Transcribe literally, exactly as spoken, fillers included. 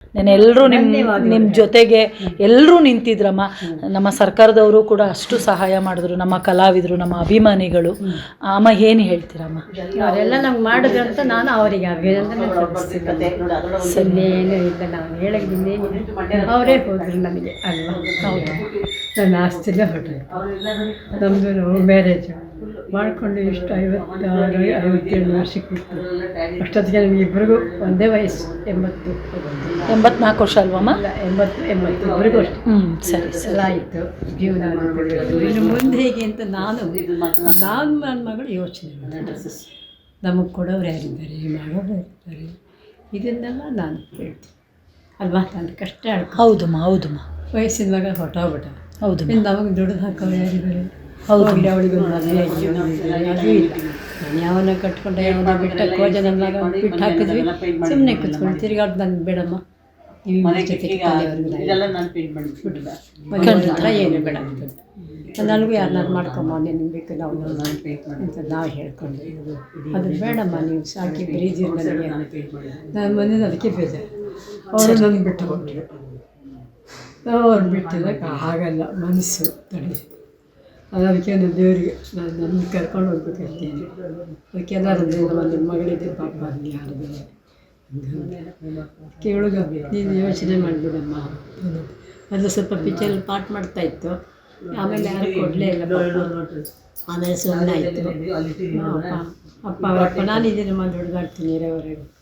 ನಾನು ಎಲ್ಲರೂ ನಿಮ್ಮ ನಿಮ್ಮ ಜೊತೆಗೆ ಎಲ್ಲರೂ ನಿಂತಿದ್ರಮ್ಮ. ನಮ್ಮ ಸರ್ಕಾರದವರು ಕೂಡ ಅಷ್ಟು ಸಹಾಯ ಮಾಡಿದ್ರು, ನಮ್ಮ ಕಲಾವಿದರು, ನಮ್ಮ ಅಭಿಮಾನಿಗಳು. ಅಮ್ಮ ಏನು ಹೇಳ್ತೀರಮ್ಮ? ಅವರೆಲ್ಲ ನಮ್ಗೆ ಮಾಡಿದ್ರು ಅಂತ ನಾನು ಅವರಿಗೆ ಅಭಿನಂದನೆ ಸಲ್ಲೇನೂ ಇಲ್ಲ, ನಾವು ಹೇಳೋದ್ರಿಂದ ಅವರೇ ಹೋದರು ನನಗೆ ಅಲ್ವಾ. ಹೌದು, ನನ್ನ ಆಸ್ತಿಲೇ ಹೊರಟರು. ನಮ್ಮದು ಮ್ಯಾರೇಜು ಮಾಡಿಕೊಂಡು ಇಷ್ಟು ಐವತ್ತಾರು ಐವತ್ತೇಳು ವರ್ಷಕ್ಕೆ ಬಿಟ್ಟು ಅಷ್ಟೊತ್ತಿಗೆ ನಮಗೆ ಇಬ್ಬರಿಗೂ ಒಂದೇ ವಯಸ್ಸು, ಎಂಬತ್ತು ಎಂಬತ್ನಾಲ್ಕು ವರ್ಷ ಅಲ್ವಮ್ಮ? ಇಲ್ಲ, ಎಂಬತ್ತು ಎಂಬತ್ತು ಇಬ್ಬರಿಗೂ ಅಷ್ಟೇ. ಹ್ಞೂ ಸರಿ ಸರಿ ಎಲ್ಲ ಆಯಿತು ಜೀವನ. ಇನ್ನು ಮುಂದೆ ಹೇಗೆ ಅಂತ ನಾನು ನಾನು ನನ್ನ ಮಗಳು ಯೋಚನೆ ಮಾಡಿದೆ. ನಮಗೆ ಕೊಡೋರು ಯಾರಿದ್ದಾರೆ, ಮಾಡೋರು ಯಾರಿದ್ದಾರೆ, ಇದನ್ನೆಲ್ಲ ನಾನು ಹೇಳ್ತೀನಿ ಅಲ್ವಾ. ನಾನು ಕಷ್ಟ ಆಡ್ಕೊ. ಹೌದಮ್ಮ ಹೌದಮ್ಮ. ವಯಸ್ಸಿನ ಮಗ ಹೊಟ್ಟೋಗ್ಬಿಟ್ಟ. ಹೌದು, ಇನ್ನು ನಮಗೆ ದುಡ್ಡು ಹಾಕೋರು ಯಾರಿದ್ದಾರೆ? ಹೌದು. ಅವಳಿಗೆ ಒಂದು ಮದುವೆ ಅದೂ ಇಲ್ಲ. ನಾನು ಯಾವನ ಕಟ್ಕೊಂಡೆ, ಯಾವನ ಬಿಟ್ಟ ಕೋಜ ನನ್ನಾಗ ಬಿಟ್ಟು ಹಾಕಿದ್ವಿ. ಸುಮ್ಮನೆ ಕೂತ್ಕೊಂಡು ತಿರುಗಾಡ್ ನನಗೆ ಬೇಡಮ್ಮ, ನೀವು ಜೊತೆಗೆ ಹತ್ರ ಏನು ಬೇಡ ನನಗೂ ಯಾರನ್ನಾರು ಮಾಡ್ಕೊಂಬ, ನಿನಗೆ ಬೇಕು ನಾವು ಅಂತ ನಾವು ಹೇಳ್ಕೊಂಡು, ಅದು ಬೇಡಮ್ಮ ನೀವು ಸಾಕಿ ಬ್ರೀಜ್ ನನಗೆ. ನಾನು ಮನೇಲಿ ಅದಕ್ಕೆ ಬೇಜಾರು. ಅವರು ನನಗೆ ಬಿಟ್ಟು ಕೊಟ್ಟರು. ಅವ್ರು ಬಿಟ್ಟಿದ್ದಕ್ಕೆ ಆಗಲ್ಲ, ಮನಸ್ಸು ತಡಿ. ಅದಕ್ಕೆ ನಾನು ದೇವರಿಗೆ ನಾನು ನನ್ನ ಕರ್ಕೊಂಡು ಹೋಗ್ಬೇಕಂತೀನಿ. ಅದಕ್ಕೆ ಎಲ್ಲರೂ ನಮ್ಮ ನಿಮ್ಮ ಮಗಳಿದೆ ಪಾಪ ಅಲ್ಲಿ ಯಾರಿದೆ ಕೇಳುಗ, ನೀನು ಯೋಚನೆ ಮಾಡಿಬಿಡಮ್ಮ. ಅದು ಸ್ವಲ್ಪ ಪಿಕ್ಚರಲ್ಲಿ ಪಾಠ ಮಾಡ್ತಾಯಿತ್ತು, ಆಮೇಲೆ ಯಾರು ಕೊಡಲೇ ಇಲ್ಲ. ಆಮೇಲೆ ಸುಮ್ಮನೆ ಆಯಿತು. ಅಪ್ಪ ಅಪ್ಪ ಅವರಪ್ಪ ನಾನಿದ್ದೀನಿ, ಮಾಡಿ ಹುಡುಗಾಡ್ತೀನಿ ಇರೋವರೆಗೂ.